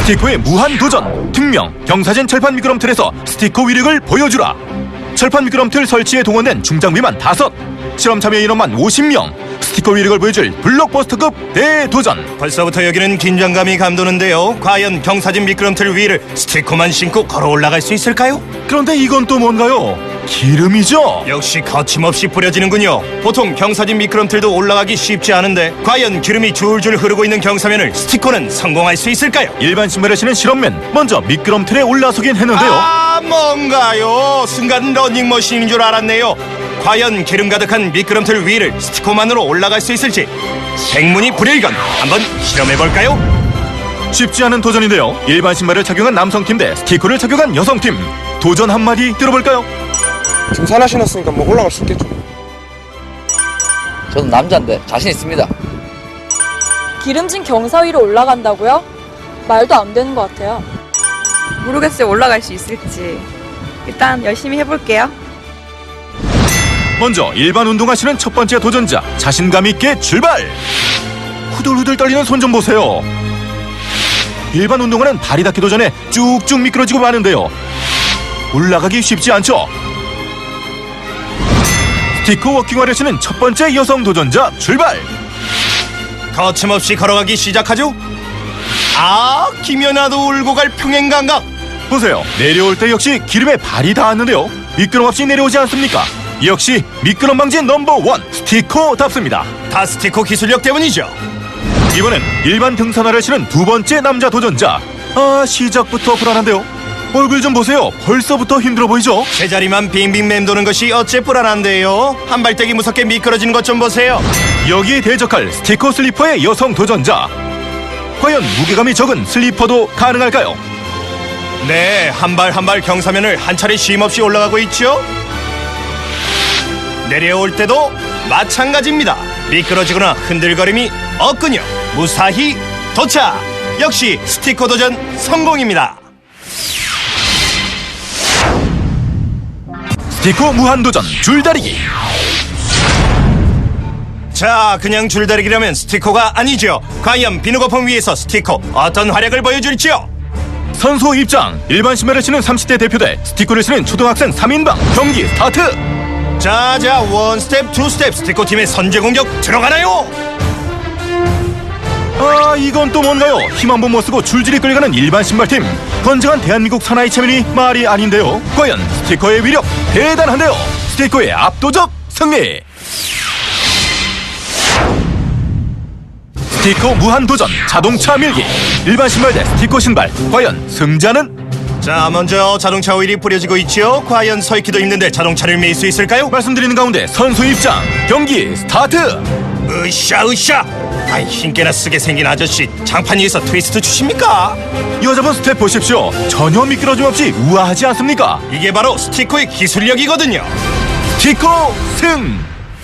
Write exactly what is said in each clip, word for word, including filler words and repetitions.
스티커의 무한도전. 특명 경사진 철판 미끄럼틀에서 스티커 위력을 보여주라. 철판 미끄럼틀 설치에 동원된 중장비만 다섯, 실험 참여 인원만 오십 명. 스티커 위력을 보여줄 블록버스터급 대도전. 벌써부터 여기는 긴장감이 감도는데요. 과연 경사진 미끄럼틀 위를 스티커만 신고 걸어 올라갈 수 있을까요? 그런데 이건 또 뭔가요? 기름이죠? 역시 거침없이 뿌려지는군요. 보통 경사진 미끄럼틀도 올라가기 쉽지 않은데 과연 기름이 줄줄 흐르고 있는 경사면을 스티커는 성공할 수 있을까요? 일반 신발을 신은 실험맨 먼저 미끄럼틀에 올라서긴 했는데요. 아, 뭔가요? 순간 러닝머신인 줄 알았네요. 과연 기름 가득한 미끄럼틀 위를 스티커만으로 올라갈 수 있을지 생문이 불일견. 한번 실험해볼까요? 쉽지 않은 도전인데요. 일반 신발을 착용한 남성팀 대 스티커를 착용한 여성팀. 도전 한마디 들어볼까요? 등산 하시놨으니까 뭐 올라갈 수 있겠죠. 저는 남자인데 자신 있습니다. 기름진 경사 위로 올라간다고요? 말도 안 되는 것 같아요. 모르겠어요. 올라갈 수 있을지. 일단 열심히 해볼게요. 먼저 일반 운동하시는 첫 번째 도전자, 자신감 있게 출발! 후들후들 떨리는 손 좀 보세요. 일반 운동화는 발이 닿기 도전에 쭉쭉 미끄러지고 마는데요. 올라가기 쉽지 않죠? 스티커 워킹화를 신은 첫 번째 여성 도전자 출발! 거침없이 걸어가기 시작하죠. 아, 김연아도 울고 갈 평행감각. 보세요. 내려올 때 역시 기름에 발이 닿았는데요. 미끄럼 없이 내려오지 않습니까? 역시 미끄럼 방지 넘버원 스티커답습니다. 다 스티커 기술력 때문이죠. 이번엔 일반 등산화를 신은 두 번째 남자 도전자. 아, 시작부터 불안한데요. 얼굴 좀 보세요. 벌써부터 힘들어 보이죠? 제자리만 빙빙 맴도는 것이 어째 불안한데요. 한 발대기 무섭게 미끄러지는 것 좀 보세요. 여기에 대적할 스티커 슬리퍼의 여성 도전자. 과연 무게감이 적은 슬리퍼도 가능할까요? 네, 한 발 한 발 경사면을 한 차례 쉼없이 올라가고 있죠. 내려올 때도 마찬가지입니다. 미끄러지거나 흔들거림이 없군요. 무사히 도착! 역시 스티커 도전 성공입니다. 스티커 무한도전 줄다리기. 자, 그냥 줄다리기라면 스티커가 아니죠. 과연 비누 거품 위에서 스티커 어떤 활약을 보여줄지요? 선수 입장. 일반 신발을 신은 삼십 대 대표대, 스티커를 신은 초등학생 삼 인방. 경기 스타트! 자자, 원 스텝, 투 스텝 스티커 팀의 선제 공격 들어가나요? 아, 이건 또 뭔가요? 힘 한 번 못 쓰고 줄줄이 끌려가는 일반 신발팀. 건장한 대한민국 사나이 체면이 말이 아닌데요. 과연 스티커의 위력 대단한데요. 스티커의 압도적 승리. 스티커 무한도전 자동차 밀기. 일반 신발 대 스티커 신발. 과연 승자는? 자, 먼저 자동차 오일이 뿌려지고 있지요. 과연 서 있기도 힘든데 자동차를 밀 수 있을까요? 말씀드리는 가운데 선수 입장. 경기 스타트! 으쌰 으쌰. 아이, 힘께나 쓰게 생긴 아저씨 장판 위에서 트위스트 주십니까? 여자분 스텝 보십시오. 전혀 미끄러짐 없이 우아하지 않습니까? 이게 바로 스티커의 기술력이거든요. 스티커 승!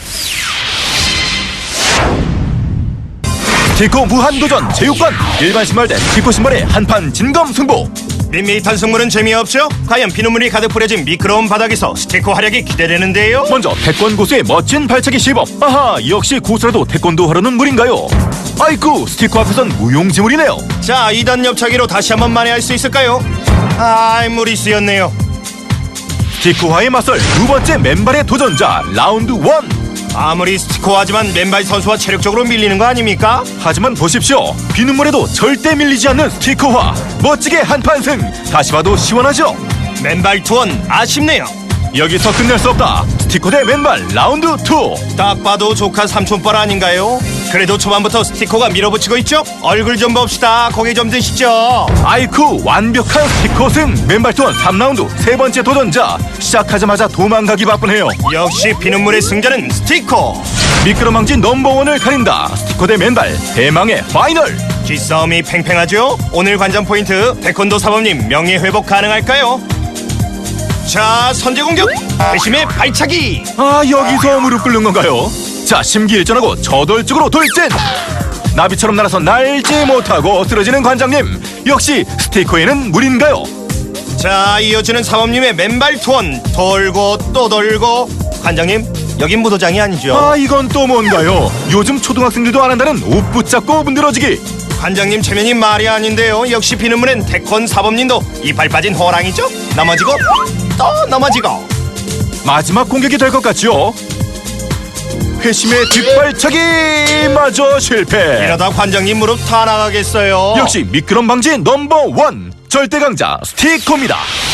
스티커 무한도전 체육관. 일반 신발 대 스티커 신발의 한판 진검승부. 밋밋한 승부는 재미없죠? 과연 비눗물이 가득 뿌려진 미끄러운 바닥에서 스티커 활약이 기대되는데요. 먼저 태권 고수의 멋진 발차기 시범. 아하, 역시 고수라도 태권도 하려는 물인가요? 아이쿠, 스티커 앞에선 무용지물이네요. 자, 이 단 옆차기로 다시 한번 만회할 수 있을까요? 아, 무리수였네요. 스티커화에 맞설 두 번째 맨발의 도전자 라운드 원. 아무리 스티커하지만 맨발 선수와 체력적으로 밀리는 거 아닙니까? 하지만 보십시오. 비눗물에도 절대 밀리지 않는 스티커화. 멋지게 한판 승. 다시 봐도 시원하죠? 맨발 투원 아쉽네요. 여기서 끝낼 수 없다. 스티커 대 맨발 라운드 투. 딱 봐도 조카 삼촌뻘 아닌가요? 그래도 초반부터 스티커가 밀어붙이고 있죠? 얼굴 좀 봅시다. 고개 좀 드시죠. 아이쿠, 완벽한 스티커 승. 맨발 투원 삼 라운드 세 번째 도전자. 시작하자마자 도망가기 바쁘네요. 역시 비눗물의 승자는 스티커. 미끄럼방지 넘버원을 가린다. 스티커 대 맨발 대망의 파이널. 기싸움이 팽팽하죠? 오늘 관전 포인트 태권도 사범님 명예 회복 가능할까요? 자, 선제 공격 회심의 발차기. 아, 여기서 무릎 꿇는 건가요? 자, 심기일전하고 저돌적으로 돌진. 나비처럼 날아서 날지 못하고 쓰러지는 관장님. 역시 스티커에는 물인가요? 자, 이어지는 사범님의 맨발 투원. 돌고 또 돌고. 관장님, 여긴 무도장이 아니죠? 아, 이건 또 뭔가요? 요즘 초등학생들도 안 한다는 옷 붙잡고 문드러지기. 관장님 체면이 말이 아닌데요. 역시 비는문엔 태권 사범님도 이빨 빠진 호랑이죠. 넘어지고 또 넘어지고. 마지막 공격이 될 것 같지요. 회심의 뒷발차기 마저 실패. 이러다 관장님 무릎 다 나가겠어요. 역시 미끄럼 방지 넘버 원 절대 강자 스티커입니다.